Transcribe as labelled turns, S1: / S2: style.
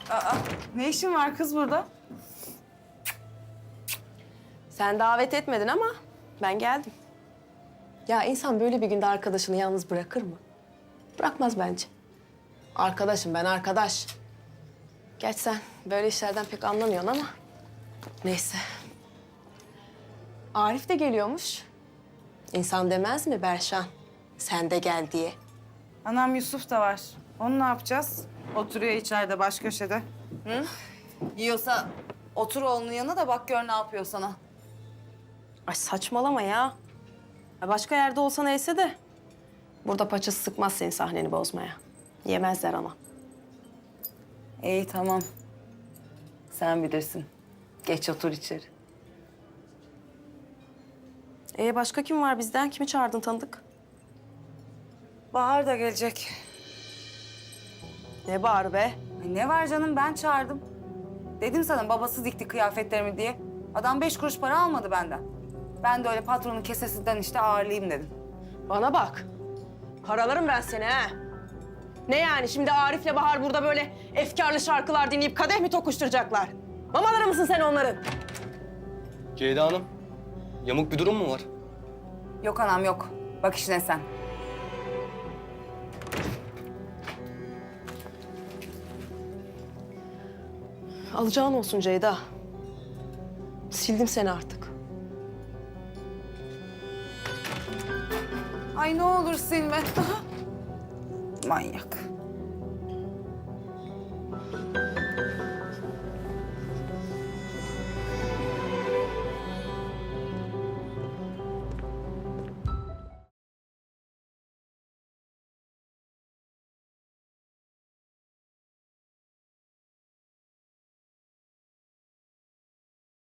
S1: Aa, ne işin var kız burada?
S2: Sen davet etmedin ama ben geldim. Ya insan böyle bir günde arkadaşını yalnız bırakır mı? Bırakmaz bence. Arkadaşım ben, arkadaş. Gerçi sen böyle işlerden pek anlamıyorsun ama neyse. Arif de geliyormuş. İnsan demez mi Berşan? Sen de gel diye.
S1: Anam Yusuf da var. Onu ne yapacağız? Oturuyor içeride baş köşede. Hı? Yiyorsa otur oğlunun yanına da bak gör ne yapıyor sana.
S2: Ay saçmalama ya. Ya başka yerde olsa neyse de burada paçası sıkmaz senin sahneni bozmaya. Yemezler ama.
S1: İyi tamam. Sen bilirsin. Geç otur içeri.
S2: Başka kim var bizden? Kimi çağırdın tanıdık?
S1: Bahar da gelecek.
S2: Ne bağır be?
S1: Ay ne var canım ben çağırdım. Dedim sana babası dikti kıyafetlerimi diye. Adam 5 kuruş para almadı benden. Ben de öyle patronun kesesinden işte ağırlayayım dedim.
S2: Bana bak. Paralarım ben seni ha. Ne yani şimdi Arif'le Bahar burada böyle efkarlı şarkılar dinleyip kadeh mi tokuşturacaklar? Mamaları mısın sen onların?
S3: Ceyda Hanım, yamuk bir durum mu var?
S1: Yok anam yok. Bak işine sen.
S2: Alacağın olsun Ceyda. Sildim seni artık.
S1: Ay ne olur silme. Manyak.